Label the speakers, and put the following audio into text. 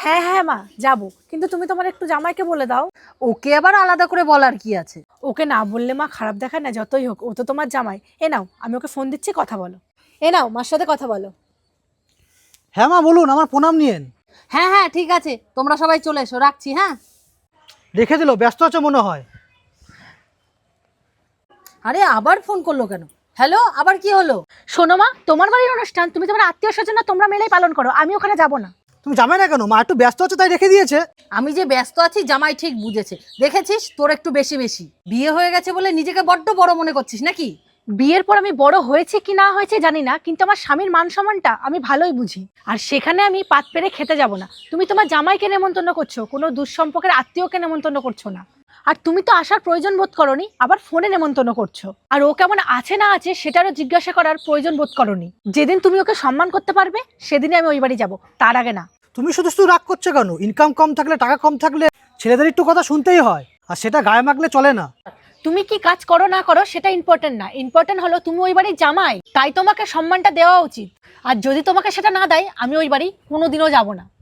Speaker 1: হ্যাঁ হ্যাঁ মা যাবো, কিন্তু তুমি তোমার একটু জামাইকে বলে দাও।
Speaker 2: ওকে আবার আলাদা করে বলার কি আছে?
Speaker 1: ওকে না বললে মা খারাপ দেখায় না, যতই হোক ও তো তোমার জামাই। এ নাও আমি ওকে ফোন দিচ্ছি, কথা বলো। এ নাও মার সাথে কথা বলো।
Speaker 3: হ্যাঁ মা বলুন, আমার প্রণাম নিয়েন।
Speaker 2: হ্যাঁ হ্যাঁ ঠিক আছে, তোমরা সবাই চলে এসো, রাখছি। হ্যাঁ।
Speaker 3: রেখে দিল, ব্যস্ত আছে মনে হয়।
Speaker 2: আরে আবার ফোন করলো কেন? হ্যালো, আবার কি হলো?
Speaker 1: শোনো মা, তোমার বাড়ির অনুষ্ঠান, তুমি তোমার আত্মীয় স্বজন তোমরা মিলেই পালন করো, আমি ওখানে যাব না।
Speaker 3: তুমি যাবে না কেন? মা একটু ব্যস্ত আছে তাই রেখে দিয়েছে।
Speaker 2: আমি যে ব্যস্ত আছি জামাই ঠিক বুঝেছে, দেখেছিস তোর একটু বেশি বেশি বিয়ে হয়ে গেছে বলে নিজেকে বড্ড বড় মনে করছিস নাকি?
Speaker 1: বিয়ের পর আমি বড় হয়েছে কি না হয়েছে জানি না, কিন্তু আমার স্বামীর মান সম্মানটা আমি ভালোই বুঝি। আর সেখানে আমি পাত পেরে খেতে যাব না। তুমি তোমার জামাইকে নেমন্তন্ন করছো, কোনো দুঃসম্পর্কের আত্মীয়কে নেমন্তন্ন করছো না। আর তুমি তো আসার প্রয়োজন বোধ করনি, আবার ফোনে নেমন্তন্ন করছো। আর ও কেমন আছে না আছে সেটারও জিজ্ঞাসা করার প্রয়োজন বোধ করনি। যেদিন তুমি ওকে সম্মান করতে পারবে সেদিনই আমি ওই বাড়ি যাবো, তার আগে না।
Speaker 3: তুমি শুধু শুধু রাগ করছো কেন? ইনকাম কম থাকলে, টাকা কম থাকলে ছেলেদের একটু কথা শুনতেই হয়, আর সেটা গায়ে মাখলে চলে না।
Speaker 1: তুমি কি কাজ করো না করো সেটা ইম্পর্টেন্ট না, ইম্পর্টেন্ট হলো তুমি ওই বাড়ির জামাই, তাই তোমাকে সম্মানটা দেওয়া উচিত। আর যদি তোমাকে সেটা না দেয় আমি ওই বাড়ি কোনোদিনও যাব না।